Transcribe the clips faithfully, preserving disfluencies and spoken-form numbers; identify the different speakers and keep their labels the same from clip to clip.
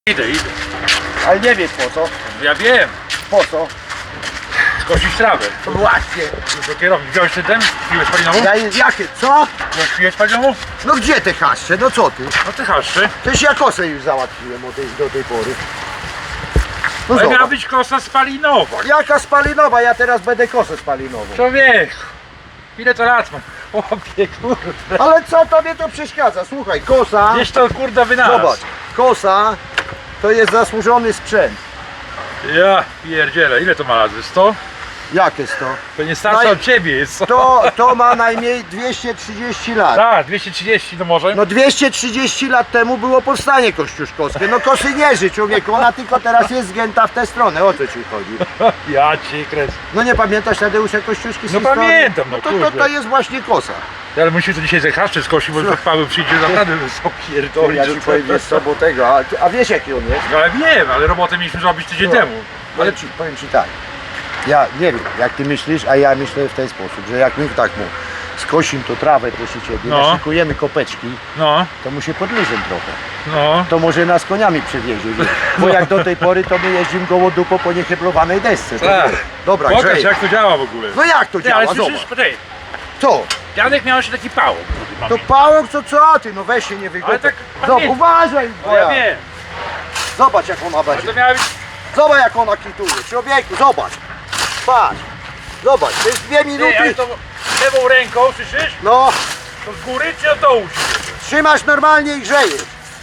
Speaker 1: Idę, idę.
Speaker 2: Ale nie wiesz po co?
Speaker 1: Ja wiem.
Speaker 2: Po co?
Speaker 1: Skosić trawę.
Speaker 2: To właśnie.
Speaker 1: Do kierownik. Wziąłeś ten ten? Piłeś palinową?
Speaker 2: Ja jest jakie? Co?
Speaker 1: Piłeś palinową?
Speaker 2: No gdzie te haszcze? No co ty?
Speaker 1: No ty haszczy.
Speaker 2: Przecież ja kosę już załatwiłem od tej, do tej pory. No
Speaker 1: Ale miała
Speaker 2: zobacz.
Speaker 1: być kosa spalinowa.
Speaker 2: Jaka spalinowa? Ja teraz będę kosę spalinową.
Speaker 1: Człowieku. Ile to lat mam? Chłopie, kurde.
Speaker 2: Ale co tobie to przeszkadza? Słuchaj, kosa.
Speaker 1: Gdzieś to kurde wynalazł.
Speaker 2: Zobacz, kosa to jest zasłużony sprzęt.
Speaker 1: Ja pierdzielę. Ile to ma lat? sto?
Speaker 2: Jakie sto?
Speaker 1: To nie starsza
Speaker 2: No i-
Speaker 1: od ciebie jest.
Speaker 2: To, to ma najmniej dwieście trzydzieści lat.
Speaker 1: Tak, dwieście trzydzieści no może.
Speaker 2: No dwieście trzydzieści lat temu było powstanie kościuszkowskie. No kosy nie ży, człowieku, ona tylko teraz jest zgięta w tę stronę, o co ci chodzi?
Speaker 1: Ja cię kres.
Speaker 2: No nie pamiętasz Tadeusza Kościuszki z
Speaker 1: No
Speaker 2: historii?
Speaker 1: pamiętam, no
Speaker 2: to, to,
Speaker 1: kurde.
Speaker 2: to jest właśnie kosa.
Speaker 1: Ale musimy to dzisiaj ze haszczy skosić, bo Paweł przyjdzie naprawdę są pierdolić.
Speaker 2: Ja ci powiem, wiesz co, bo tego, a, a wiesz jaki on jest?
Speaker 1: No ale wiem, ale robotę mieliśmy zrobić tydzień
Speaker 2: No.
Speaker 1: temu.
Speaker 2: Ale ci, powiem ci tak, ja nie wiem jak ty myślisz, a ja myślę w ten sposób, że jak my tak mu skosim to trawę, proszę ciebie,
Speaker 1: No.
Speaker 2: naszykujemy kopeczki,
Speaker 1: No,
Speaker 2: to mu się podliżem trochę.
Speaker 1: no.
Speaker 2: To może nas koniami przewiezie, wiesz? Bo jak do tej pory to my jeździmy gołodupą po nieheblowanej desce. To
Speaker 1: Tak.
Speaker 2: wiesz. Dobra,
Speaker 1: Pokaż
Speaker 2: Grzej.
Speaker 1: jak to działa w ogóle.
Speaker 2: No jak to
Speaker 1: Ty, ale
Speaker 2: działa?
Speaker 1: słyszysz,
Speaker 2: Zobacz.
Speaker 1: poczekaj.
Speaker 2: Co?
Speaker 1: Janek miał jeszcze taki pałok.
Speaker 2: To pałok, co co ty? No weź się nie wygodź.
Speaker 1: Ale tak
Speaker 2: Zobacz,
Speaker 1: pamiętam.
Speaker 2: uważaj,
Speaker 1: No ja
Speaker 2: boja.
Speaker 1: wiem.
Speaker 2: Zobacz jak ona
Speaker 1: Ale
Speaker 2: będzie.
Speaker 1: to miała być...
Speaker 2: Zobacz jak ona kituje. Człowieku, zobacz. Patrz. Zobacz, to jest dwie
Speaker 1: Ty, ale
Speaker 2: minuty.
Speaker 1: to lewą ręką, słyszysz?
Speaker 2: No,
Speaker 1: To z góry czy od dołu się?
Speaker 2: trzymasz normalnie i grzejesz.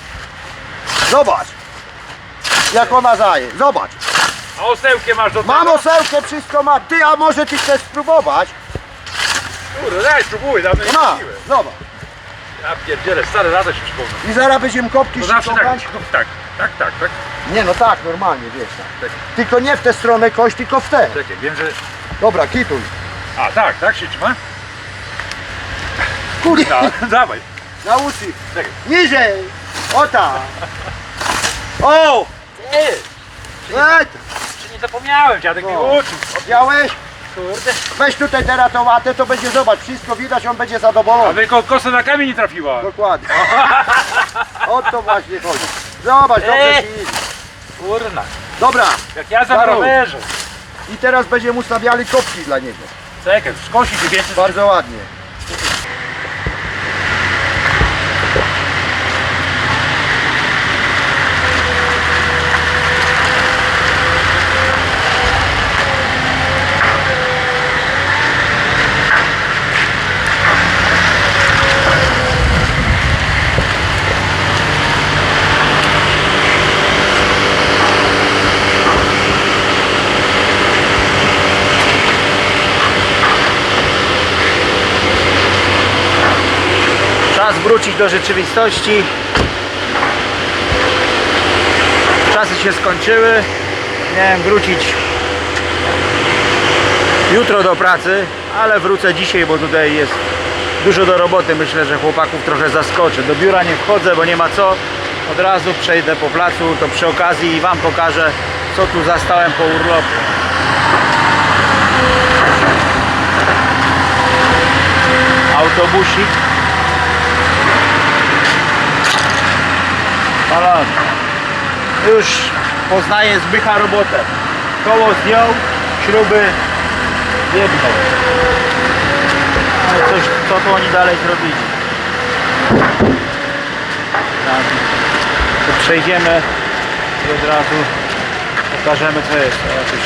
Speaker 2: Zobacz. Jak ona zaje. Zobacz.
Speaker 1: A osełkiem masz do tego?
Speaker 2: Mam osełkę, wszystko mam. Ty, a może ty chcesz spróbować?
Speaker 1: Kurde, daj, spróbuj, dawno nie
Speaker 2: No,
Speaker 1: robiłem.
Speaker 2: zobacz.
Speaker 1: Ja pierdzielę, stare lata się przypomnę.
Speaker 2: I zaraz będziemy kopki
Speaker 1: To zawsze tak,
Speaker 2: ściągać.
Speaker 1: tak, tak, tak, tak.
Speaker 2: Nie no tak, normalnie, wiesz. Tak.
Speaker 1: Tak.
Speaker 2: Tylko nie w tę stronę kość, tylko w tę.
Speaker 1: Czekaj, wiem, że...
Speaker 2: Dobra, kituj.
Speaker 1: A, tak, tak się trzyma?
Speaker 2: Kurwa,
Speaker 1: No, dawaj.
Speaker 2: na uszy.
Speaker 1: Czekaj.
Speaker 2: Niżej. O tak. O!
Speaker 1: Ty,
Speaker 2: Ej,
Speaker 1: czy nie zapomniałem, dziadek mnie
Speaker 2: No.
Speaker 1: uczył.
Speaker 2: widziałeś?
Speaker 1: Kurde.
Speaker 2: Weź tutaj teraz tą łatę, to będzie, zobacz, wszystko widać, on będzie
Speaker 1: A
Speaker 2: zadowolony.
Speaker 1: tylko kosa na kamień nie trafiła.
Speaker 2: Dokładnie. O to właśnie chodzi. Zobacz, dobrze
Speaker 1: Ej.
Speaker 2: ci idzie.
Speaker 1: Kurna.
Speaker 2: Dobra,
Speaker 1: Jak ja za
Speaker 2: Karol.
Speaker 1: rowerze.
Speaker 2: i teraz będziemy ustawiali kopki dla niego.
Speaker 1: Czekaj, skosić się więcej.
Speaker 2: Bardzo ładnie. Czas wrócić do rzeczywistości. Czasy się skończyły. Miałem wrócić jutro do pracy, ale wrócę dzisiaj, bo tutaj jest dużo do roboty. Myślę, że chłopaków trochę zaskoczę. Do biura nie wchodzę, bo nie ma co. Od razu przejdę po placu, to przy okazji Wam pokażę, co tu zastałem po urlopie. Autobusik. Balon. Już poznaję Zbycha robotę. Koło zdjął, śruby jedną. Ale coś, co tu oni dalej zrobili? Tak. To przejdziemy i od razu pokażemy, co jest. O, jakoś...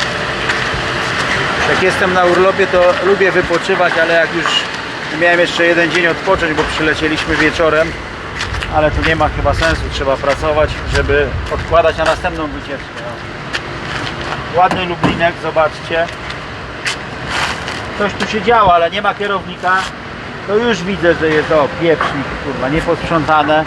Speaker 2: Jak jestem na urlopie, to lubię wypoczywać, ale jak już miałem jeszcze jeden dzień odpocząć, bo przylecieliśmy wieczorem, ale tu nie ma chyba sensu, trzeba pracować, żeby odkładać na następną wycieczkę. Ładny Lublinek, zobaczcie. Coś tu się działo, ale nie ma kierownika. To już widzę, że jest o pieprznik, kurwa, nieposprzątane.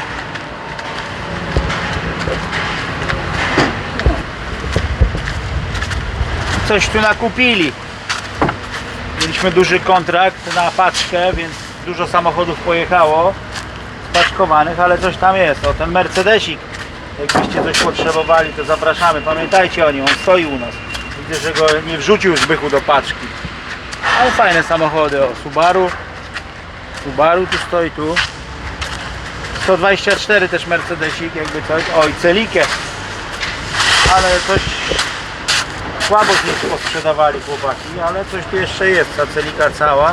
Speaker 2: Coś tu nakupili. Mieliśmy duży kontrakt na paczkę, więc dużo samochodów pojechało spaczkowanych, ale coś tam jest. O, ten Mercedesik, jakbyście coś potrzebowali, to zapraszamy. Pamiętajcie o nim, on stoi u nas. Widzę, że go nie wrzucił Zbychu do paczki. Ale fajne samochody. O, Subaru. Subaru tu stoi, tu. sto dwadzieścia cztery też Mercedesik, jakby coś. Oj, celikę. Ale coś słabo się posprzedawali chłopaki, ale coś tu jeszcze jest, ta celika cała.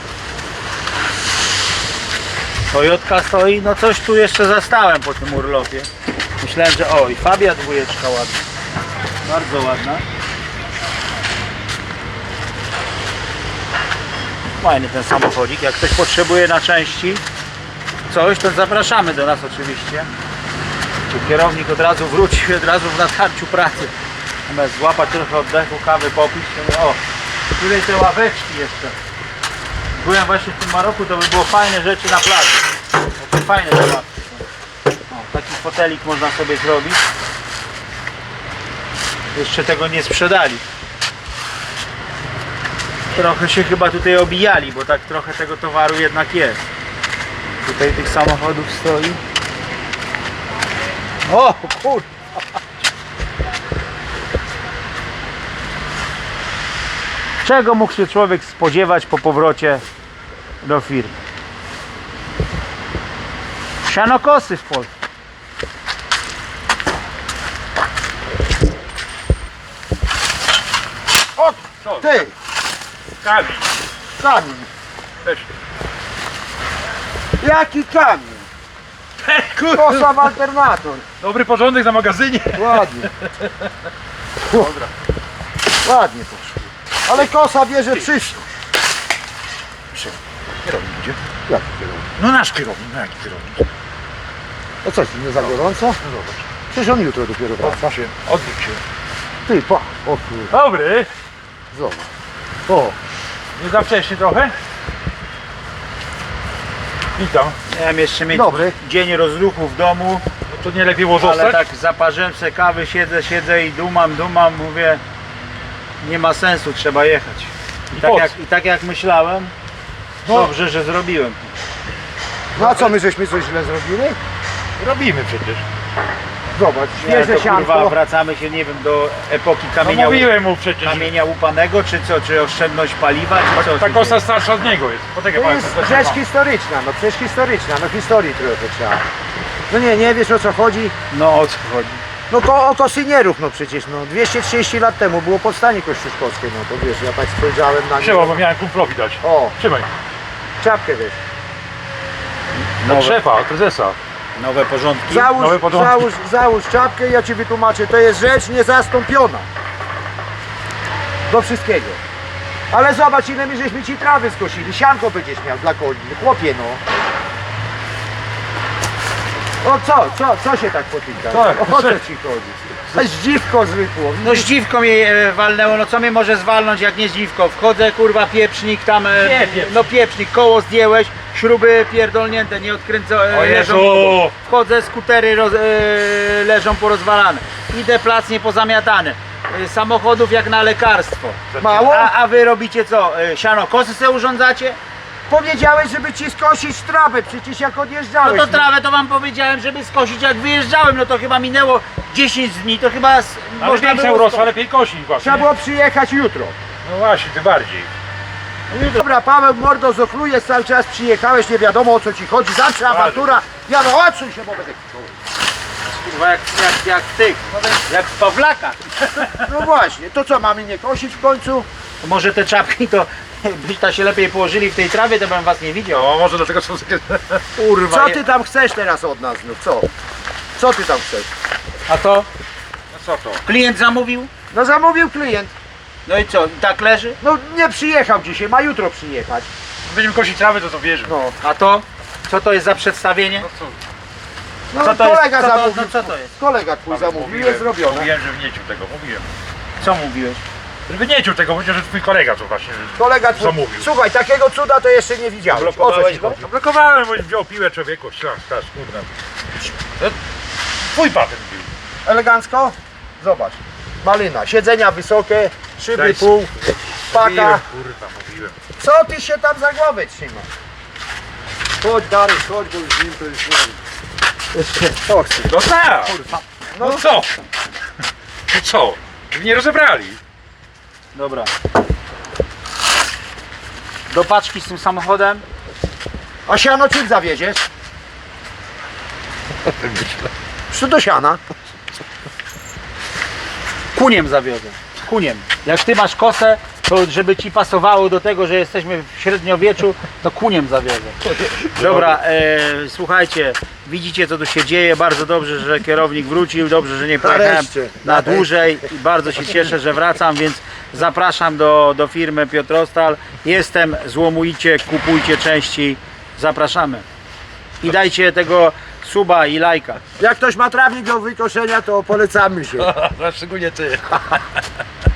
Speaker 2: Toyotka stoi, no coś tu jeszcze zastałem po tym urlopie. Myślałem, że oj, Fabia dwójeczka ładna. Bardzo ładna. Fajny ten samochodzik. Jak ktoś potrzebuje na części coś, to zapraszamy do nas oczywiście. Czy kierownik od razu wróci, od razu w natarciu pracy. Zamiast złapać trochę oddechu, kawy popić, to o, tutaj te ławeczki jeszcze. Byłem właśnie w tym Maroku, to by było fajne rzeczy na plaży. Takie fajne te ławki są. O, taki fotelik można sobie zrobić. Jeszcze tego nie sprzedali. Trochę się chyba tutaj obijali, bo tak trochę tego towaru jednak jest. Tutaj tych samochodów stoi. O kurwa! Czego mógł się człowiek spodziewać po powrocie do firmy? Sianokosy w Polsce.
Speaker 3: O,
Speaker 1: Co?
Speaker 3: ty!
Speaker 1: Kamień.
Speaker 3: Kamień!
Speaker 1: Też.
Speaker 3: Jaki kamień?
Speaker 1: Kurwa.
Speaker 3: Kosa w alternator.
Speaker 1: Dobry porządek na magazynie.
Speaker 3: Ładnie.
Speaker 1: Dobra.
Speaker 3: Ładnie poszło. Ale kosa bierze przyszłość.
Speaker 1: Kierownik idzie.
Speaker 3: Jak kierownik?
Speaker 1: No nasz kierownik, no jaki kierownik?
Speaker 3: No coś, nie za gorąco?
Speaker 1: No zobacz.
Speaker 3: Przecież on jutro dopiero wraca.
Speaker 1: Odwróć się. Odwróć się.
Speaker 3: Ty, pa! O kur...
Speaker 1: Dobry.
Speaker 3: Zobacz. O,
Speaker 1: Nie za wcześnie trochę? Witam.
Speaker 2: Miałem jeszcze mieć
Speaker 3: dobry.
Speaker 2: dzień rozruchu w domu,
Speaker 1: No to nie lepiej było
Speaker 2: ale
Speaker 1: zostać?
Speaker 2: tak zaparzyłem sobie kawy, siedzę, siedzę i dumam, dumam, mówię nie ma sensu, trzeba jechać. I
Speaker 1: I
Speaker 2: tak
Speaker 1: po
Speaker 2: jak,
Speaker 1: co?
Speaker 2: i tak jak myślałem,
Speaker 1: No.
Speaker 2: dobrze, że zrobiłem.
Speaker 3: No a co, my żeśmy coś źle zrobili?
Speaker 1: Robimy przecież.
Speaker 3: Zobacz,
Speaker 2: Nie,
Speaker 3: świeże
Speaker 2: to kurwa
Speaker 3: sianko.
Speaker 2: wracamy się, nie wiem, do epoki
Speaker 1: No
Speaker 2: kamienia,
Speaker 1: mówiłem mu przecież.
Speaker 2: kamienia łupanego, czy co, czy oszczędność paliwa, czy co?
Speaker 1: Ta
Speaker 2: tu
Speaker 1: kosa
Speaker 2: się-
Speaker 1: starsza od niego jest. Poczekaj,
Speaker 3: To
Speaker 1: pan,
Speaker 3: jest
Speaker 1: to też
Speaker 3: rzecz
Speaker 1: ma.
Speaker 3: historyczna, no przecież historyczna, no historii trochę trzeba. No nie, nie wiesz o co chodzi?
Speaker 2: No o co chodzi?
Speaker 3: No ko o kosynierów, no przecież, no dwieście trzydzieści lat temu było powstanie kościuszkowskie, no to wiesz, ja tak spojrzałem na
Speaker 1: Trzeba,
Speaker 3: nie.
Speaker 1: bo miałem kumplowi dać.
Speaker 3: O,
Speaker 1: Trzymaj.
Speaker 3: czapkę wiesz.
Speaker 1: Od szefa, od prezesa.
Speaker 2: Nowe porządki?
Speaker 3: Załóż,
Speaker 1: Nowe porządki.
Speaker 3: załóż, załóż czapkę i ja ci wytłumaczę, to jest rzecz niezastąpiona. Do wszystkiego. Ale zobacz, ile my żeśmy ci trawy skosili, sianko będziesz miał dla koni, chłopie no. O co, co, co się tak potyka?
Speaker 1: Tak.
Speaker 3: O co ci chodzi? A zdziwko zwykło.
Speaker 2: No zdziwko mnie e, walnęło, no co mnie może zwalnąć jak nie zdziwko? Wchodzę, kurwa, pieprznik tam, e,
Speaker 1: Nie, pieprznik.
Speaker 2: no pieprznik, koło zdjęłeś, śruby pierdolnięte, nie odkręcone,
Speaker 1: O
Speaker 2: leżą
Speaker 1: Jezu!
Speaker 2: obok. Wchodzę, skutery roz, e, leżą porozwalane, idę, plac niepozamiatany, e, samochodów jak na lekarstwo.
Speaker 3: Mało?
Speaker 2: A, a wy robicie co, e, siano kosy se urządzacie?
Speaker 3: Powiedziałeś, żeby ci skosić trawę, przecież jak
Speaker 2: No
Speaker 3: odjeżdżałeś.
Speaker 2: to trawę to wam powiedziałem, żeby skosić jak wyjeżdżałem, no to chyba minęło dziesięć dni, to chyba s-
Speaker 1: Ale
Speaker 2: można
Speaker 1: większa
Speaker 2: było
Speaker 1: urosła,
Speaker 2: sko-
Speaker 1: lepiej kosi właśnie.
Speaker 3: Trzeba było przyjechać jutro.
Speaker 1: No właśnie, tym bardziej.
Speaker 3: Dobra, Paweł mordo zochlujesz cały czas, przyjechałeś, nie wiadomo o co ci chodzi, zawsze awantura. Ja no odsuń się, bo będę krzyczał.
Speaker 2: Kurwa, jak, jak, jak ty, jak z Pawlaka.
Speaker 3: No właśnie, to co, mamy nie kosić w końcu?
Speaker 2: To może te czapki to byście się lepiej położyli w tej trawie, to bym was nie widział.
Speaker 1: No może dlatego są takie...
Speaker 2: Kurwa.
Speaker 3: Co
Speaker 2: je-
Speaker 3: ty tam chcesz teraz od nas znów, co? Co ty tam chcesz?
Speaker 2: A to?
Speaker 1: No co to?
Speaker 2: Klient zamówił?
Speaker 3: No zamówił klient,
Speaker 2: No i co, i tak leży?
Speaker 3: no nie przyjechał dzisiaj, ma jutro przyjechać.
Speaker 1: Będziemy kosić trawy, to to wierzę.
Speaker 3: No,
Speaker 2: A to? Co to jest za przedstawienie?
Speaker 1: No co?
Speaker 3: no
Speaker 2: Co to jest?
Speaker 3: kolega
Speaker 2: Co to-
Speaker 3: zamówił,
Speaker 2: no co to jest?
Speaker 3: kolega twój zamówił, jest zrobione.
Speaker 1: Mówiłem, że nie cił tego, mówiłem.
Speaker 2: Co mówiłeś?
Speaker 1: Żeby nie cił tego, powiedział, że twój kolega co właśnie
Speaker 3: Kolega twój,
Speaker 1: zamówił.
Speaker 3: słuchaj, takiego cuda to jeszcze nie widziałeś. O co
Speaker 2: Blokowałeś
Speaker 3: ci
Speaker 2: go?
Speaker 3: chodzi?
Speaker 1: Blokowałem, bo wziął piłę człowieku, ślas, stasz, kurna. No, twój patent był.
Speaker 3: Elegancko? Zobacz, malina, siedzenia wysokie, szyby
Speaker 1: Daj
Speaker 3: pół, paka.
Speaker 1: Mówiłem, kurwa, mówiłem.
Speaker 3: Co ty się tam za głowę trzymasz? Chodź Dary, chodź, bo już z nim to już nie wiem. Jeszcze toksy.
Speaker 1: No tak!
Speaker 3: No,
Speaker 1: No co? No co? Żeby nie rozebrali.
Speaker 2: Dobra. Do paczki z tym samochodem?
Speaker 3: a siano czym zawieziesz? Co do siana?
Speaker 2: Kuniem zawiozę. Kuniem. Jak ty masz kosę, to żeby ci pasowało do tego, że jesteśmy w średniowieczu, to kuniem zawiozę. Dobra, e, słuchajcie, widzicie co tu się dzieje. Bardzo dobrze, że kierownik wrócił, dobrze, że nie pojechałem
Speaker 3: Nareszcie.
Speaker 2: na dłużej i bardzo się cieszę, że wracam, więc zapraszam do, do firmy Piotrostal. Jestem, złomujcie, kupujcie części, zapraszamy. I dajcie tego suba i lajka.
Speaker 3: Jak ktoś ma trawnik do wykoszenia, to polecamy się.
Speaker 1: Szczególnie ty.